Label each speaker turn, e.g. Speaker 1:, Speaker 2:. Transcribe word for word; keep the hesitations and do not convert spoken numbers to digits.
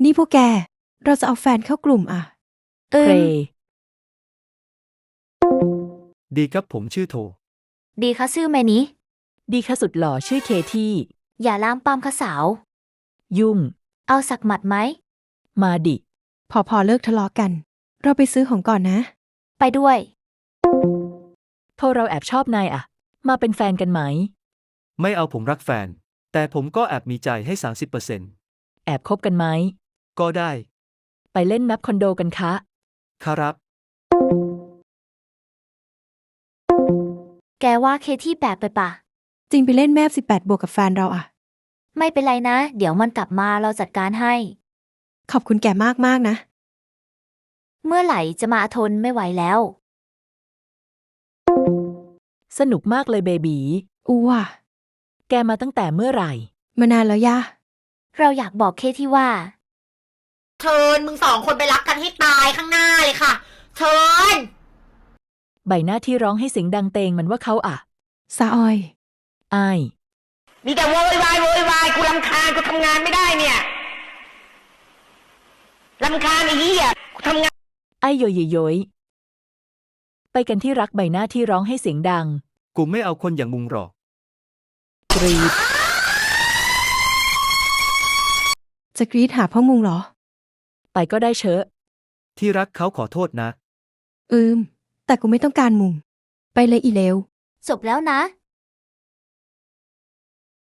Speaker 1: นี่พวกแกเราจะเอาแฟนเข้ากลุ่มอ่ะเอ
Speaker 2: เพร
Speaker 1: อ
Speaker 3: ดีครับผมชื่อโท
Speaker 4: ดีคะซื่อแม่นี้
Speaker 2: ดีค่ะสุดหล่อชื่อเคที่
Speaker 4: อย่าล้ามปามคะสาว
Speaker 2: ยุ่ง
Speaker 4: เอาสักหมัดไหม
Speaker 2: มาดิ
Speaker 1: พอพอเลิกทะเลาะกัน เราไปซื้อของก่อนนะ
Speaker 4: ไปด้วย
Speaker 2: โทรเราแอบชอบนายอะมาเป็นแฟนกันไหม
Speaker 3: ไม่เอาผมรักแฟน แต่ผมก็แอบมีใจให้ สามสิบเปอร์เซ็นต์
Speaker 2: แอบคบกันไหม
Speaker 3: ก็ได้
Speaker 2: ไปเล่นแมปคอนโดกันคะ
Speaker 3: ครับ
Speaker 4: แกว่าเคที่แปลกไปปะ
Speaker 1: จริงไปเล่นแมพสิบแปดบวกกับแฟนเราอ่ะ
Speaker 4: ไม่เป็นไรนะ เดี๋ยวมันกลับมาเราจัดการให้
Speaker 1: ขอบคุณแกมากมากๆนะ
Speaker 4: เมื่อไหร่จะมาทนไม่ไหวแล้ว
Speaker 2: สนุกมากเลยเบบี
Speaker 1: อู้ว่ะ
Speaker 2: แกมาตั้งแต่เมื่อไหร่
Speaker 1: มานานแล้วย่า
Speaker 4: เราอยากบอกเคที่ว่า
Speaker 5: เชิญมึงสองคนไปรักกันให้ตายข้างหน้าเลยค่ะ เชิญ
Speaker 2: ใบหน้าที่ร้องให้เสียงดังเตงมันว่าเขาอะ
Speaker 1: ซาออย
Speaker 2: อาย
Speaker 5: มีแต่โวยวายโวยวายกูรำคาญกูทำงานไม่ได้เนี่ยรำคาญไอ้เหี้ยกูทำงาน
Speaker 2: ไอ้โยยโยยไปกันที่รักใบหน้าที่ร้องให้เสียงดัง
Speaker 3: กูไม่เอาคนอย่างมึงหรอก
Speaker 2: กรีด
Speaker 1: จะกรีดหาพ่อมุงเหรอ
Speaker 2: ไปก็ได้เชอะ
Speaker 3: ที่รักเขาขอโทษนะ
Speaker 1: อืม แต่กูไม่ต้องการมุง ไปเลยอีเลว
Speaker 4: จบแล้วนะ